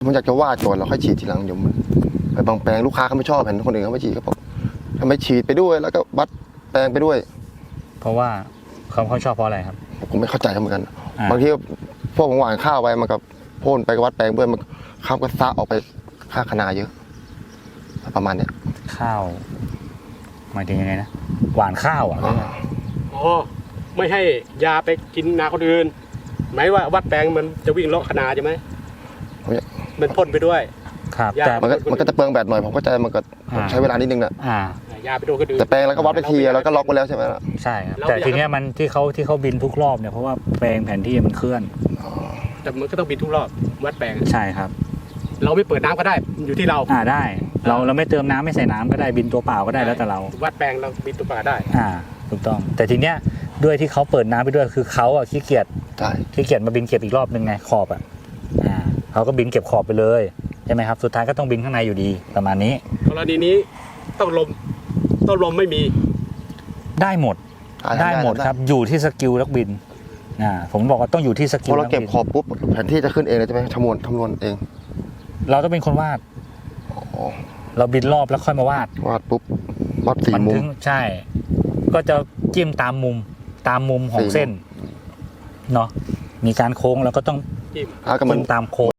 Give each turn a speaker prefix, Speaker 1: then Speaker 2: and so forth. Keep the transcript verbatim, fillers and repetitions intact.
Speaker 1: ผมอยากจะวาดก่อนแล้วค่อยฉีดทีหลังเดี๋ยวมันไปบางแปลงลูกค้าเขาไม่ชอบเห็นคนอื่นเขาไม่ฉีดเขาบอกทำไมฉีดไปด้วยแล้วก็วัดแปลงไปด้วย
Speaker 2: เพราะว่าเขาเขาชอบเพราะอะไรครับ
Speaker 1: ผมไม่เข้าใจเหมือนกันบางทีพวกผมหวานข้าวไปมันกับพ่นไปวัดแปลงด้วยมันข้าวก็ซะออกไปค่าคณาเยอะประมาณเนี้ย
Speaker 2: ข้าวหมายถึงยังไงนะหวานข้าวอ่ะ
Speaker 3: อ๋อไม่ให้ยาไปกินนาคนอื่นหมายว่าวัดแปลงมันจะวิ่งเลาะคณาใช่ไหมมันพ่นไปด้วย
Speaker 2: ครับ
Speaker 1: แต่มันก็มันก็จะเปลืองแบตหน่อยผมเข้าใจมันก็ใช้เวลานิดนึงนะ
Speaker 3: ยาไปโดนคนอื่น
Speaker 1: แต่แปลงแล้วก็วัดไปทีแล้วก็ล็อกไว้แล้วใช่ไหมล่ะ
Speaker 2: ใช่ครับแต่ทีเนี้ยมันที่เขาที่เขาบินทุกรอบเนี่ยเพราะว่าแปลงแผนที่มันเคลื่อน
Speaker 3: แต่มันก็ต้องบินทุกรอบวัดแปลง
Speaker 2: ใช่ครับ
Speaker 3: เราไม่เปิดน้ำก็ได้อยู่ที่เรา
Speaker 2: อ่าได้เราเราไม่เติมน้ำไม่ใส่น้ำก็ได้บินตัวเปล่าก็ได้แล้วแต่เรา
Speaker 3: วัดแปลงเราบินตัวเปล่าได้
Speaker 2: อ่าถูกต้องแต่ทีเนี้ยด้วยที่เขาเปิดน้ำไปด้วยคือเขาอ่ะขี้เกียจขี้เกียจมาบินเก็บอีกรอบนึงไงขอบอ่ะอ่าเขาก็บินเก็บขอบไปเลยใช่ไหมครับสุดท้ายก็ต้องบินข้างในอยู่ดีประมาณนี้
Speaker 3: กรณีนี้ต้องลมต้องลมไม่มี
Speaker 2: ได้หมดได้หมดครับอยู่ที่สกิลนักบินอ่าผมบอกว่าต้องอยู่ที่สกิล
Speaker 1: พอเราเก็บขอบปุ๊บแผนที่จะขึ้นเองเลยใช่ไหมคำนวณคำนวณเอง
Speaker 2: เราต้องเป็นคนวาดเราบินรอบแล้วค่อยมาวาด
Speaker 1: วาดปุ๊บวาดสี่มุม
Speaker 2: ใช่ก็จะจิ้มตามมุมตามมุมของเส้นเนาะมีการโค้งแล้วก็ต้องจิ้มตามโค้ง